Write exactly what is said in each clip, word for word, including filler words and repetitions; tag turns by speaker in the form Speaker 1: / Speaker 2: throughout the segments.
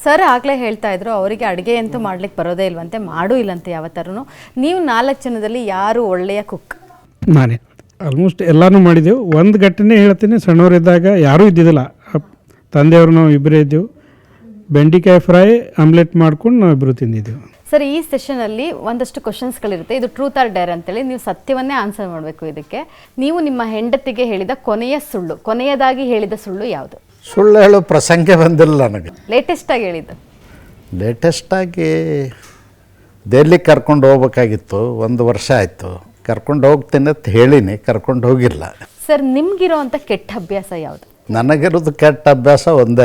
Speaker 1: Sir ಆಗಲೇ ಹೇಳ್ತಾ ಇದ್ರು ಅವರಿಗೆ ಅಡುಗೆ ಅಂತೂ ಮಾಡ್ಲಿಕ್ಕೆ ಬರೋದೇ ಇಲ್ವಂತೆ, ಮಾಡೂ ಇಲ್ಲಂತೆ ಯಾವ ಥರನೂ. ನೀವು ನಾಲ್ಕು ಜನದಲ್ಲಿ ಯಾರು ಒಳ್ಳೆಯ ಕುಕ್?
Speaker 2: ನಾನೇ ಆಲ್ಮೋಸ್ಟ್ ಎಲ್ಲನೂ ಮಾಡಿದ್ದೆವು. ಒಂದು ಘಟನೆ ಹೇಳ್ತೀನಿ, ಸಣ್ಣವರಿದ್ದಾಗ ಯಾರೂ ಇದ್ದಿದ್ದಿಲ್ಲ, ತಂದೆಯವರು ನಾವು ಇಬ್ಬರೇ ಇದ್ದೆವು. ಬೆಂಡೆಕಾಯಿ ಫ್ರೈ ಆಮ್ಲೆಟ್ ಮಾಡ್ಕೊಂಡು ನಾವು ಇಬ್ಬರು ತಿಂದಿದ್ದೆವು.
Speaker 1: ಸರ್, ಈ ಸೆಷನಲ್ಲಿ ಒಂದಷ್ಟು ಕ್ವಶನ್ಸ್ಗಳಿರುತ್ತೆ, ಇದು ಟ್ರೂತ್ ಆರ್ ಡೇರ್ ಅಂತೇಳಿ ನೀವು ಸತ್ಯವನ್ನೇ ಆನ್ಸರ್ ಮಾಡಬೇಕು. ಇದಕ್ಕೆ ನೀವು ನಿಮ್ಮ ಹೆಂಡತಿಗೆ ಹೇಳಿದ ಕೊನೆಯ ಸುಳ್ಳು, ಕೊನೆಯದಾಗಿ ಹೇಳಿದ ಸುಳ್ಳು ಯಾವುದು?
Speaker 3: ಸುಳ್ಳು ಹೇಳೋ ಪ್ರಸಂಗ ಬಂದಿಲ್ಲ ನನಗೆ.
Speaker 1: ಲೇಟೆಸ್ಟಾಗಿ ಹೇಳಿದ್ದು?
Speaker 3: ಲೇಟೆಸ್ಟಾಗಿ ದೆಹಲಿಗೆ ಕರ್ಕೊಂಡು ಹೋಗ್ಬೇಕಾಗಿತ್ತು, ಒಂದು ವರ್ಷ ಆಯಿತು. ಕರ್ಕೊಂಡು ಹೋಗ್ತೀನಿ ಅಂತ ಹೇಳಿನಿ, ಕರ್ಕೊಂಡು ಹೋಗಿಲ್ಲ.
Speaker 1: ಸರ್, ನಿಮ್ಗಿರೋ ಅಂಥ ಕೆಟ್ಟ ಅಭ್ಯಾಸ ಯಾವುದು?
Speaker 3: ನನಗಿರೋದು ಕೆಟ್ಟ ಅಭ್ಯಾಸ ಒಂದೇ,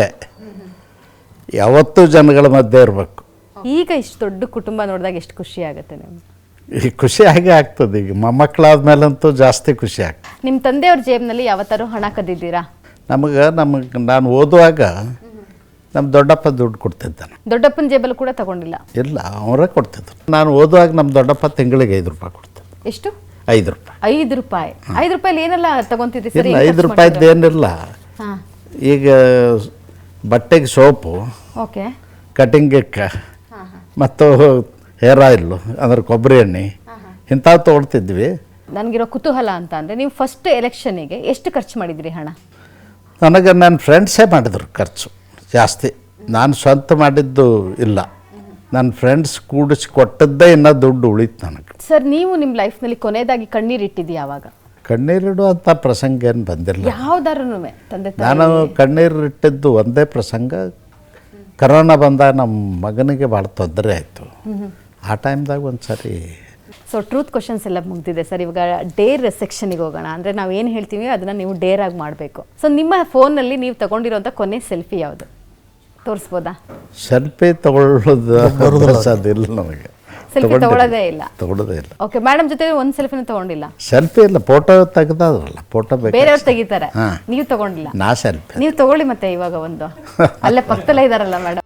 Speaker 3: ಯಾವತ್ತೂ ಜನಗಳ ಮಧ್ಯೆ ಇರಬೇಕು.
Speaker 1: ಈಗ ಇಷ್ಟು ದೊಡ್ಡ ಕುಟುಂಬ ನೋಡಿದಾಗ ಎಷ್ಟು ಖುಷಿ ಆಗುತ್ತೆ ನಿಮ್ಗೆ?
Speaker 3: ಈ ಖುಷಿ ಹಾಗೆ ಆಗ್ತದೆ. ಈಗ ಮೊಮ್ಮಕ್ಕಳಾದ ಮೇಲಂತೂ ಜಾಸ್ತಿ ಖುಷಿ ಆಗ್ತದೆ.
Speaker 1: ನಿಮ್ಮ ತಂದೆಯವ್ರ ಜೇಬ್ನಲ್ಲಿ ಯಾವತ್ತಾರು ಹಣ ಕದ್ದಿದ್ದೀರಾ?
Speaker 3: ನಮಗೆ ನಮಗೆ ನಾನು ಓದುವಾಗ ನಮ್ಮ ದೊಡ್ಡಪ್ಪ ದುಡ್ಡು ಕೊಡ್ತಿದ್ದಾನೆ.
Speaker 1: ದೊಡ್ಡಪ್ಪನ ಜೇಬಲ್ಲಿ ಕೂಡ ತಗೊಂಡಿಲ್ಲ?
Speaker 3: ಇಲ್ಲ, ಅವರೇ ಕೊಡ್ತಿದ್ರು. ನಾನು ಓದುವಾಗ ನಮ್ಮ ದೊಡ್ಡಪ್ಪ ತಿಂಗಳಿಗೆ ಐದು ರೂಪಾಯಿ ಕೊಡ್ತಿದ್ದೆ.
Speaker 1: ಎಷ್ಟು?
Speaker 3: ಐದು ರೂಪಾಯಿ.
Speaker 1: ಐದು ರೂಪಾಯಿ ಐದು ರೂಪಾಯಿ ಏನೆಲ್ಲ ತಗೊಂತಿದ್ರಿ ಸರ್?
Speaker 3: ಇಲ್ಲ, ಐದು ರೂಪಾಯಿದ್ದು ಏನಿಲ್ಲ. ಈಗ ಬಟ್ಟೆಗೆ ಸೋಪು,
Speaker 1: ಓಕೆ,
Speaker 3: ಕಟಿಂಗಕ್ಕೆ ಮತ್ತು ಹೇರ್ ಆಯಿಲ್ಲು ಅಂದ್ರೆ ಕೊಬ್ಬರಿ ಎಣ್ಣೆ ಇಂಥವು ತೊಗೊಳ್ತಿದ್ವಿ.
Speaker 1: ನನಗಿರೋ ಕುತೂಹಲ ಅಂತ ಅಂದರೆ, ನೀವು ಫಸ್ಟ್ ಎಲೆಕ್ಷನಿಗೆ ಎಷ್ಟು ಖರ್ಚು ಮಾಡಿದ್ರಿ ಹಣ?
Speaker 3: ನನಗೆ ನನ್ನ ಫ್ರೆಂಡ್ಸೇ ಮಾಡಿದ್ರು ಖರ್ಚು ಜಾಸ್ತಿ, ನಾನು ಸ್ವಂತ ಮಾಡಿದ್ದು ಇಲ್ಲ. ನನ್ನ ಫ್ರೆಂಡ್ಸ್ ಕೂಡಿಸಿ ಕೊಟ್ಟದ್ದೇ ಇನ್ನೂ ದುಡ್ಡು ಉಳಿತು ನನಗೆ.
Speaker 1: ಸರ್, ನೀವು ನಿಮ್ಮ ಲೈಫ್ನಲ್ಲಿ ಕೊನೆಯದಾಗಿ ಕಣ್ಣೀರು ಇಟ್ಟಿದ್ದೀವಿ ಯಾವಾಗ?
Speaker 3: ಕಣ್ಣೀರಿಡುವಂಥ ಪ್ರಸಂಗ ಏನು ಬಂದಿಲ್ಲ
Speaker 1: ಯಾವ್ದಾರು ತಂದೆ?
Speaker 3: ನಾನು ಕಣ್ಣೀರು ಇಟ್ಟಿದ್ದು ಒಂದೇ ಪ್ರಸಂಗ, ಕರೋನಾ ಬಂದಾಗ ನಮ್ಮ ಮಗನಿಗೆ ಭಾಳ ತೊಂದರೆ ಆಯಿತು. ಆ ಟೈಮ್ದಾಗ ಒಂದು ಸರಿ.
Speaker 1: ಸೊ ಟ್ರೂತ್ ಕ್ವಶನ್ಸ್ ಎಲ್ಲ ಮುಗ್ದಿದೆ ಸರ್. ಇವಾಗ ಡೇರ್ ಸೆಕ್ಷನಿಗೆ ಹೋಗೋಣ. ಅಂದರೆ ನಾವು ಏನು ಹೇಳ್ತೀವಿ ಅದನ್ನು ನೀವು ಡೇರ್ ಆಗಿ ಮಾಡಬೇಕು. ಸೊ ನಿಮ್ಮ ಫೋನಲ್ಲಿ ನೀವು ತಗೊಂಡಿರೋಂಥ ಕೊನೆ ಸೆಲ್ಫಿ ಯಾವುದು? ತೋರಿಸ್ಬೋದಾ?
Speaker 3: ಸೆಲ್ಫಿ ತಗೊಳ್ಳೋದು ಅದಿಲ್ಲ ನನಗೆ.
Speaker 1: ಸೆಲ್ಫಿ ತಗೊಳ್ಳೋದೇ ಇಲ್ಲ?
Speaker 3: ತಗೊಳ್ಳೋದೇ ಇಲ್ಲ.
Speaker 1: ಓಕೆ, ಮೇಡಮ್ ಜೊತೆ ಒಂದು ಸೆಲ್ಫಿನೂ ತಗೊಂಡಿಲ್ಲ?
Speaker 3: ಸೆಲ್ಫಿ ಇಲ್ಲ, ಫೋಟೋ ತೆಗೆದಾದ್ರಲ್ಲ, ಫೋಟೋ ಬೇಕು,
Speaker 1: ಬೇರೆಯವ್ರು ತೆಗಿತಾರೆ, ನೀವು ತಗೊಂಡಿಲ್ಲ?
Speaker 3: ನಾ ಸೆಲ್ಫಿ.
Speaker 1: ನೀವು ತಗೊಳ್ಳಿ ಮತ್ತೆ ಇವಾಗ ಒಂದು, ಅಲ್ಲೇ ಪಕ್ಕದಲ್ಲೇ ಇದಾರಲ್ಲ ಮೇಡಮ್.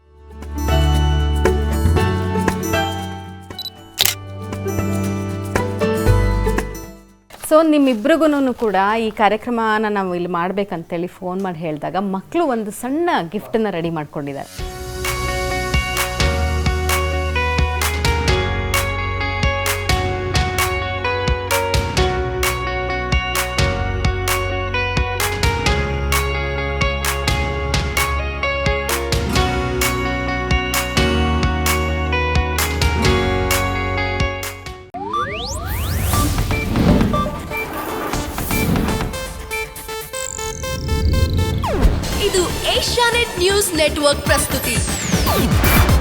Speaker 1: ಸೊ ನಿಮ್ಮಿಬ್ರಿಗೂ ಕೂಡ ಈ ಕಾರ್ಯಕ್ರಮನ ನಾವು ಇಲ್ಲಿ ಮಾಡ್ಬೇಕಂತೇಳಿ ಫೋನ್ ಮಾಡಿ ಹೇಳಿದಾಗ ಮಕ್ಕಳು ಒಂದು ಸಣ್ಣ ಗಿಫ್ಟನ್ನು ರೆಡಿ ಮಾಡ್ಕೊಂಡಿದ್ದಾರೆ.
Speaker 4: ಇದು ಏಷ್ಯಾನೆಟ್ ನ್ಯೂಸ್ ನೆಟ್ವರ್ಕ್ ಪ್ರಸ್ತುತಿ.